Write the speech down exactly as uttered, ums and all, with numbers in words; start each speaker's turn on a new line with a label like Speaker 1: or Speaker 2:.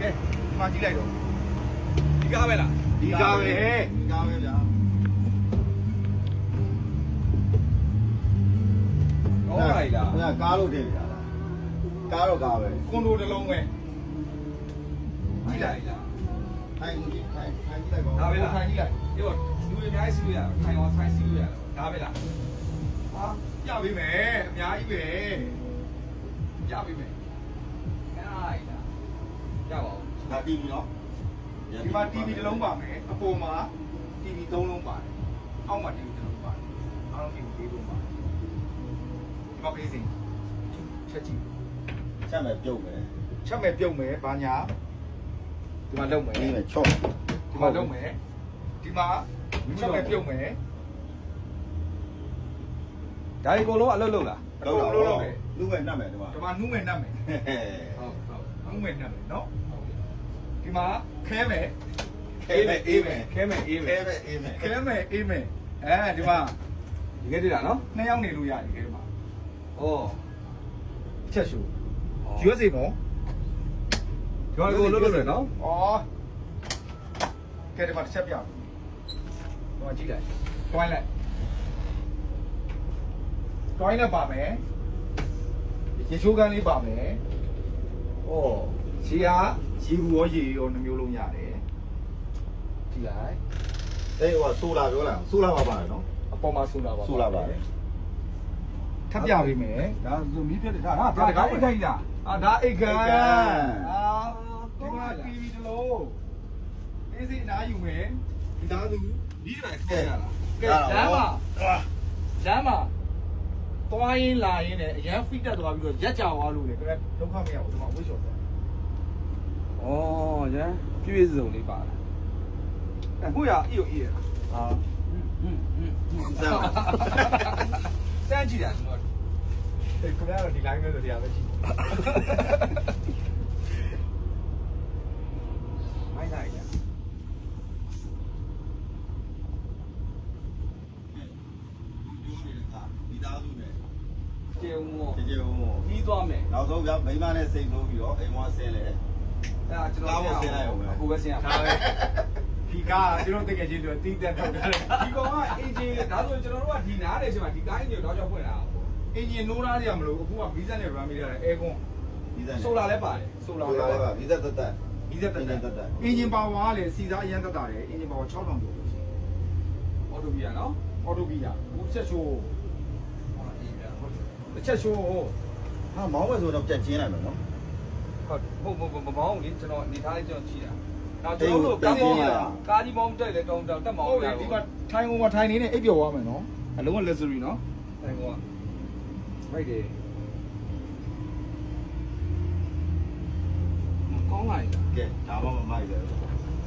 Speaker 1: ကဲဒီမှာကြည့်လိုက်တော့ဒီကားပဲလားဒီကားပဲဒီကားပဲဗျာဟုတ်လိုက်လားဟိုကကားလို့ထင်ကြလားကားတော့ကားပဲကွန်ဒိုတစ်လုံးပဲကြည့်လိုက်လားထိုင်ကြည့်ထိုင်ထိုင်ကြည့်လိုက်ပါဒါပဲလားထိုင်ကြည့်လိုက်ဒီတော့လူတွေအများကြီးစီးလို့ရထိုင်အောင်ထိုင်စီးလို့ရဒါပဲလားဟာပြပေးမယ်အများကြီးပဲပြပေးမယ်အဲ့ဒါကြပါဦးဒါ တီဗီ နော်ဒီမှာ တီဗီ တစ်လုံးပါမယ်အပေါ်မှာ တီဗီ သုံးလုံးပါတယ်အောက်မှာ တီဗီ တစ်လုံးပါတယ်အားလုံး တီဗီ လေးလုံးပါတယ်ဒီမှာပေးစင်ချက်ကြည့်ချက်မယ်ပြုတ်မယ်ချက်မယ်ပြုတ်မယ်ဘာညာဒီမှာလုံးမယ်ဒီမှာချော့ဒီမှာလုံးမယ်ဒီမှာချက်မယ်ပြုတ်မယ်ဒါဒီအကုန်လုံးအလုပ်လုပ်လားအကုန်လုံးလုပ်တယ်နူးမယ်နှက်မယ်ဒီမှာဒီမှာနူးမယ်နှက်မယ်ဟုတ်ဟုတ်နူးမယ်နှက်မယ်နော်ဒီမှာခဲမယ်အေးမယ်အေးမယ်ခဲမယ်အေးမယ်ခဲမယ်အေးမယ်ခဲမယ်အေးမယ်အဲဒီမှာဒီကဲတွေ့တာနော်နှစ်ယောက်နေလို့ရတယ်ဒီမှာဩချက်ရှူယူရစီနော်ဒီမှာကိုလွတ်လွတ်တယ်နော်ဩကဲဒီမှာတစ်ချက်ပြအောင်ဒီမှာကြည့်လိုက်တွိုင်းလိုက်တွိုင်းနဲ့ပါမယ်ရေချိုးကန်းလေးပါမယ်ဩရှီဟာရေဘူးရောရေရောနှမျိုးလုံးရတယ်ကြည့်လိုက်အေးဟိုဆိုလာပြောလားဆိုလာပါပါတယ်နော်အပေါ်မှာဆိုလာပါဆိုလာပါတယ်ထပ်ပြပေးမယ်ဒါဆိုမီးပြတ်တယ်ဒါဒါဒါအိတ်ခိုင်းလားအာဒါအိတ်ခိုင်းအာဒီမှာ တီဗီ တစ်လုံးအေးစိအနားယူမယ်ဒီသားသူဒီကနေ့ခေါ်ရလားကဲလမ်းမှာလမ်းမှာတွားရင်လာရင်လည်းအရန်ဖိတက်သွားပြီးတော့ရက်ကြသွားလို့လေခင်ဗျဒုက္ခမရဘူးဒီမှာဝှေ့လျှော်သွား哦，这必须是种的吧？哎，不要一有一啊，嗯嗯嗯嗯，这样，三几点钟？哎，可能你两个都这样子。买哪一家？ကျေဦးမောကျေဦးမောပြီးသွားမယ်နောက်ဆုံးဗျာမိမနဲ့စိတ်လို့ပြီးတော့အိမ်မောဆင်းလေအဲ့ဒါကျွန်တော်ဆင်းလိုက်အောင်အခုပဲဆင်းရဒါပဲဒီကားကျွန်တော်တကယ်ချင်းတို့တီးတက်ထုတ်ထားတယ်ဒီကောင်ကအင်ဂျင်ဒါဆိုကျွန်တော်တို့ကဒီနားတယ်ချိန်မှာဒီကားအင်ဂျင်တော့ကြောက်ဖွင့်လာအင်ဂျင်နိုးသားကြမလို့အခုကဗီဇက်နဲ့ run မိရတယ်အဲကွန်ဗီဇက်ဆိုလာလည်းပါတယ်ဆိုလာလည်းပါဗီဇက်တက်တက်ဗီဇက်တက်တက်အင်ဂျင်ပါဝါကလည်းစီစားအရန်တက်တာတယ်အင်ဂျင်ပါဝါ၆ထောင်ကျော်လို့ရှိတယ်အော်တိုဘီယာနော်အော်တိုဘီယာဘူးချက်ချိုးတစ်ချက်ရှိုးဟာမောင်းပဲဆိုတော့ပြတ်ကျင်းလိုက်မယ်နော်ဟုတ်ဟုတ်ဟုတ်မမောင်းလေကျွန်တော်နေထားလေးကျွန်တော်ကြည့်တာနောက်ကျွန်တော်တို့ကားမောင်းကားကြီးမောင်းတက်လေကောင်းတောင်တက်မောင်းဟုတ်ဒီမှာထိုင်ကုန်မှာထိုင်နေနေအိပ်ပျော်သွားမယ်နော်အလုံးက luxury နော်ထိုင်ကုန်ကမိုက်တယ်ကောင်းလိုက်တာကဲဒါမှမမိုက်တယ်